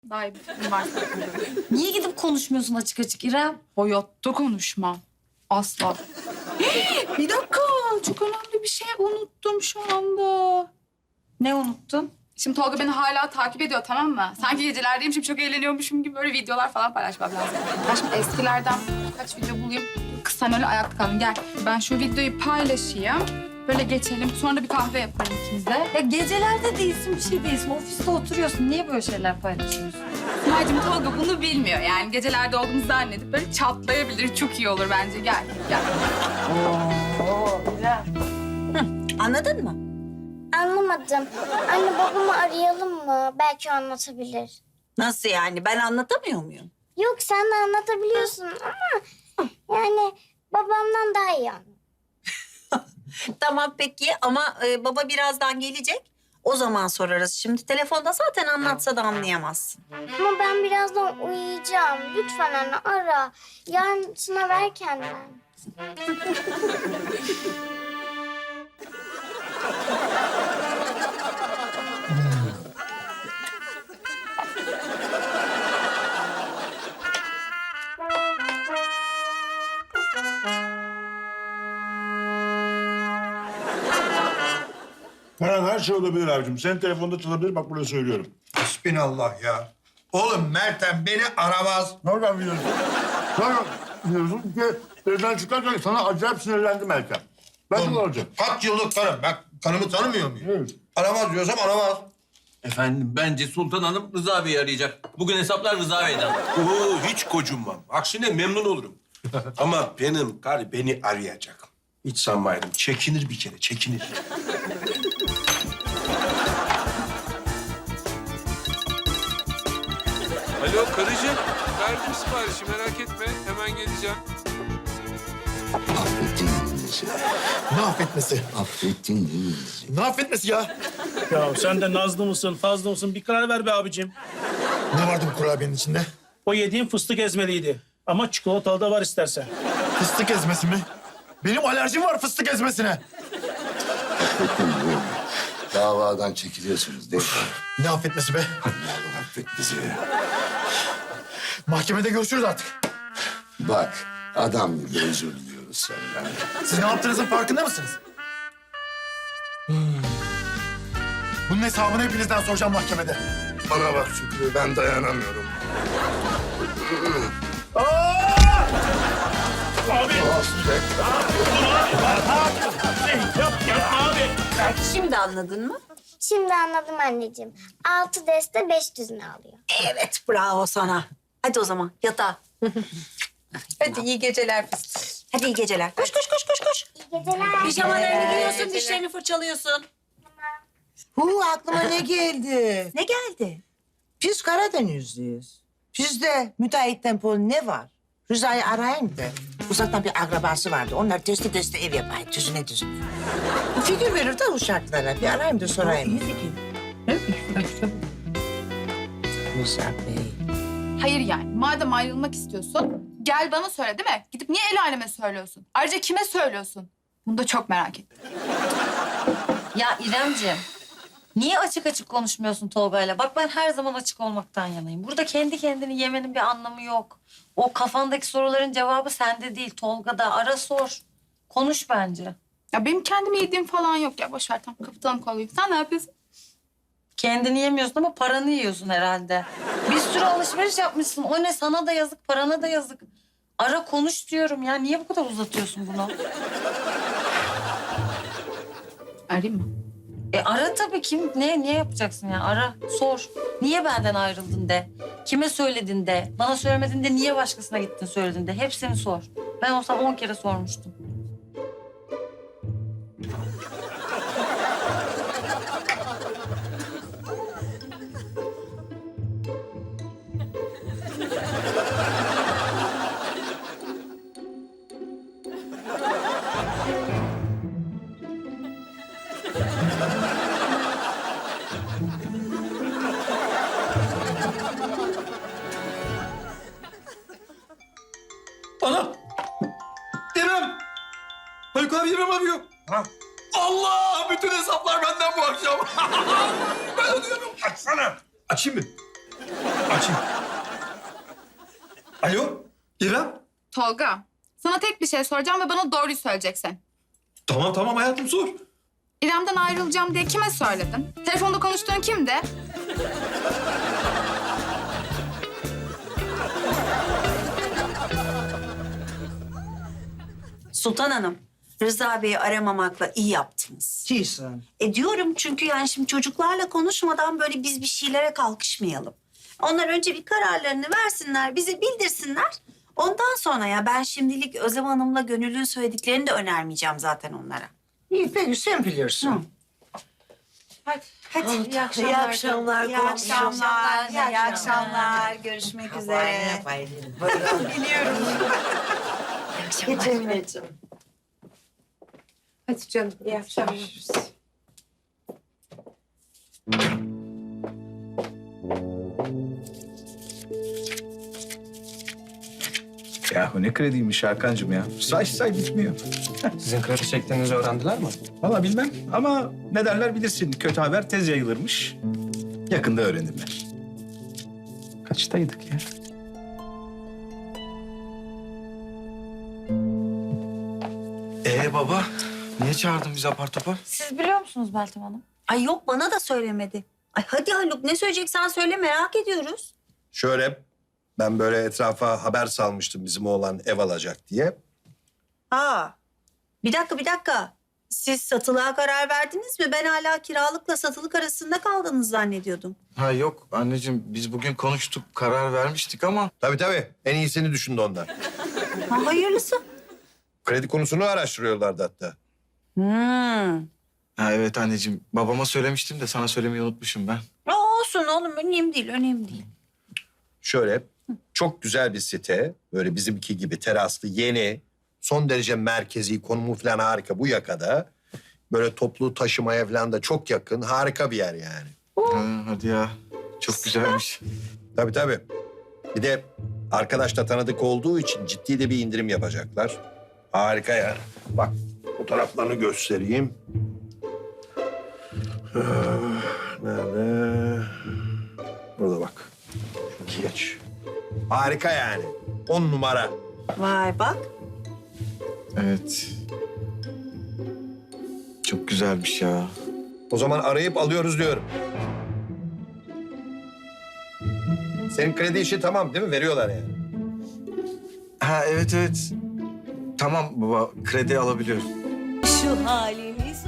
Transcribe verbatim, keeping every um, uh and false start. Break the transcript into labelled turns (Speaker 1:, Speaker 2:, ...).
Speaker 1: Daha iyi bir üniversite okuyorum.
Speaker 2: Niye gidip konuşmuyorsun açık açık İrem?
Speaker 1: Hayatta konuşmam. Asla. Bir dakika. Çok önemli bir şey unuttum şu anda.
Speaker 2: Ne unuttun?
Speaker 1: Şimdi Tolga beni hala takip ediyor, tamam mı? Sanki gecelerdeymişim, çok eğleniyormuşum gibi böyle videolar falan paylaşmam lazım. Ben şimdi eskilerden birkaç video bulayım. Kız sen öyle ayakta kaldın, gel. Ben şu videoyu paylaşayım. Böyle geçelim. Sonra da bir kahve yaparım ikimiz de.
Speaker 2: Ya gecelerde değilsin, bir şey değilsin. Ofiste oturuyorsun. Niye böyle şeyler paylaşıyorsun?
Speaker 1: Sıma'cığım Tolga bunu bilmiyor yani. Gecelerde olduğumuzu zannedip böyle çatlayabilir. Çok iyi olur bence. Gel, gel.
Speaker 2: Oo, İrem.
Speaker 3: Anladın mı?
Speaker 4: Anlamadım. Anne babamı arayalım mı? Belki o anlatabilir.
Speaker 3: Nasıl yani? Ben anlatamıyor muyum?
Speaker 4: Yok sen de anlatabiliyorsun ama yani babamdan daha iyi anlat.
Speaker 3: Tamam peki ama e, baba birazdan gelecek. O zaman sorarız. Şimdi telefonda zaten anlatsa da anlayamazsın.
Speaker 4: Ama ben birazdan uyuyacağım. Lütfen anne ara. Yarın sınav erkenden.
Speaker 5: Karan her şey olabilir abicim. Senin telefonda çalabilir, bak burada söylüyorum.
Speaker 6: Hasbinallah ya. Oğlum Meltem beni aramaz.
Speaker 5: Nereden biliyorsun? Nereden biliyorsun ki evden çıkarken sana acayip sinirlendim Meltem. Ben de olacak.
Speaker 6: Kaç yıllık karım. Ben karımı tanımıyor muyum?
Speaker 5: Evet.
Speaker 6: Aramaz diyorsam aramaz.
Speaker 7: Efendim bence Sultan Hanım Rıza Bey'i arayacak. Bugün hesaplar Rıza Bey'den.
Speaker 8: Oo, hiç gocunmam. Aksine memnun olurum. Ama benim karı beni arayacak. Hiç sanmayırım. Çekinir bir kere, çekinir.
Speaker 9: Alo karıcığım. Verdim siparişi merak etme. Hemen geleceğim.
Speaker 6: Ne affetmesi?
Speaker 10: Affettin değil mi bizi?
Speaker 6: Ne affetmesi ya?
Speaker 11: Ya sen de nazlı mısın, fazla mısın? Bir karar ver be abicim.
Speaker 6: Ne vardı bu kurabiyenin içinde?
Speaker 11: O yediğin fıstık ezmeliydi. Ama çikolatalı da var istersen.
Speaker 6: Fıstık ezmesi mi? Benim alerjim var fıstık ezmesine.
Speaker 10: Affettin değil mi? Davadan çekiliyorsunuz değil mi?
Speaker 6: Ne affetmesi be?
Speaker 10: Allah'ım affet bizi.
Speaker 6: Mahkemede görüşürüz artık.
Speaker 10: Bak, adam gibi özür diliyoruz senden.
Speaker 6: Siz ne yaptığınızın farkında mısınız? Hmm. Bunun hesabını hepinizden soracağım mahkemede.
Speaker 10: Bana bak Şükrü, ben dayanamıyorum.
Speaker 11: Abi!
Speaker 10: Affet.
Speaker 11: Yap, yapma abi!
Speaker 3: Şimdi anladın mı?
Speaker 4: Şimdi anladım anneciğim. Altı deste beş düzine alıyor.
Speaker 3: Evet bravo sana. Hadi o zaman yatağa. Hadi iyi geceler fıstık. Hadi iyi geceler. Koş koş koş koş koş.
Speaker 4: İyi geceler.
Speaker 3: Pijamalarını giyiyorsun, dişlerini fırçalıyorsun.
Speaker 12: Hu aklıma ne geldi?
Speaker 3: Ne geldi?
Speaker 12: Biz Karadenizliyiz. Bizde müteahhitten pol ne var? Rıza'yı arayayım da. Uzaktan bir akrabası vardı. Onlar testi testi ev yapayım. Düzüne düzüne. Bir fikir verir de o şartlara. Bir arayayım da sorayım. Ne fikir? Rıza Bey.
Speaker 1: Hayır yani. Madem ayrılmak istiyorsun, gel bana söyle değil mi? Gidip niye el aleme söylüyorsun? Ayrıca kime söylüyorsun? Bunu da çok merak ettim.
Speaker 2: Ya İremciğim, niye açık açık konuşmuyorsun Tolga'yla? Bak ben her zaman açık olmaktan yanayım. Burada kendi kendini yemenin bir anlamı yok. O kafandaki soruların cevabı sende değil, Tolga'da. Ara sor. Konuş bence.
Speaker 1: Ya benim kendimi yediğim falan yok ya. Boş ver, tamam kapatalım konuyu. Sen ne yapıyorsun?
Speaker 2: Kendini yemiyorsun ama paranı yiyorsun herhalde. Bir sürü alışveriş yapmışsın. O ne, sana da yazık, parana da yazık. Ara konuş diyorum ya. Niye bu kadar uzatıyorsun bunu?
Speaker 1: Arayayım mı?
Speaker 2: E ara tabii, kim ne niye yapacaksın ya? Ara, sor. Niye benden ayrıldın de. Kime söyledin de. Bana söylemedin de niye başkasına gittin söyledin de. Hepsini sor. Ben olsam on kere sormuştum.
Speaker 7: Ana! İrem! Haluk abi İrem arıyor.
Speaker 6: Ha?
Speaker 7: Allah! Bütün hesaplar benden bu akşam. Ben ödüyorum.
Speaker 6: Açsana.
Speaker 8: Açayım mı?
Speaker 6: Açayım. Alo, İrem.
Speaker 1: Tolga, sana tek bir şey soracağım ve bana doğruyu söyleyeceksin.
Speaker 6: Tamam tamam hayatım sor.
Speaker 1: İrem'den ayrılacağım diye kime söyledin? Telefonda konuştuğun kimdi?
Speaker 3: Sultan Hanım, Rıza Bey'i aramamakla iyi yaptınız.
Speaker 12: Değilsin.
Speaker 3: E diyorum çünkü yani şimdi çocuklarla konuşmadan böyle biz bir şeylere kalkışmayalım. Onlar önce bir kararlarını versinler, bize bildirsinler. Ondan sonra ya ben şimdilik Özlem Hanım'la Gönül'ün söylediklerini de önermeyeceğim zaten onlara.
Speaker 12: İyi peki sen bilirsin.
Speaker 2: Hadi.
Speaker 3: Hadi iyi akşamlar.
Speaker 12: İyi akşamlar.
Speaker 3: İyi akşamlar. İyi akşamlar. Görüşmek üzere. Biliyorum.
Speaker 12: Geçemeyeceğim.
Speaker 3: Hadi canım. İyi akşamlar.
Speaker 6: Yahu ne krediymiş Hakan'cığım ya. Say say bitmiyor.
Speaker 8: Sizin kredi çektiğinizi öğrendiler mi?
Speaker 6: Valla bilmem ama ne derler bilirsin. Kötü haber tez yayılırmış. Yakında öğrenirler. Kaçtaydık ya?
Speaker 13: Ee baba, niye çağırdın bizi apar topar?
Speaker 2: Siz biliyor musunuz Meltem Hanım?
Speaker 3: Ay yok bana da söylemedi. Ay hadi Haluk ne söyleyeceksen söyle merak ediyoruz.
Speaker 8: Şöyle, ben böyle etrafa haber salmıştım bizim oğlan ev alacak diye.
Speaker 3: Aa, bir dakika bir dakika. Siz satılığa karar verdiniz mi? Ben hala kiralıkla satılık arasında kaldınız zannediyordum.
Speaker 13: Ha yok anneciğim, biz bugün konuştuk, karar vermiştik ama...
Speaker 8: Tabii tabii, en iyisini düşündü onlar.
Speaker 3: Ha, hayırlısı.
Speaker 8: Kredi konusunu araştırıyorlardı hatta.
Speaker 3: Hmm.
Speaker 13: Ha evet anneciğim, babama söylemiştim de sana söylemeyi unutmuşum ben.
Speaker 3: Aa, olsun oğlum önemli değil önemli değil.
Speaker 8: Şöyle, çok güzel bir site. Böyle bizimki gibi teraslı, yeni, son derece merkezi, konumu falan harika bu yakada. Böyle toplu taşımaya falan da çok yakın, harika bir yer yani.
Speaker 13: Ha, hadi ya, çok güzelmiş.
Speaker 8: Tabii tabii. Bir de arkadaş da tanıdık olduğu için ciddi de bir indirim yapacaklar. Harika yani. Bak, fotoğraflarını göstereyim. Ee, Nerede? Burada bak. Şu geç. Harika yani. On numara.
Speaker 3: Vay bak.
Speaker 13: Evet. Çok güzelmiş ya.
Speaker 8: O zaman arayıp alıyoruz diyorum. Senin kredi işi tamam değil mi? Veriyorlar yani.
Speaker 13: Ha evet evet. Tamam baba, kredi alabiliyorum.
Speaker 3: Şu halimiz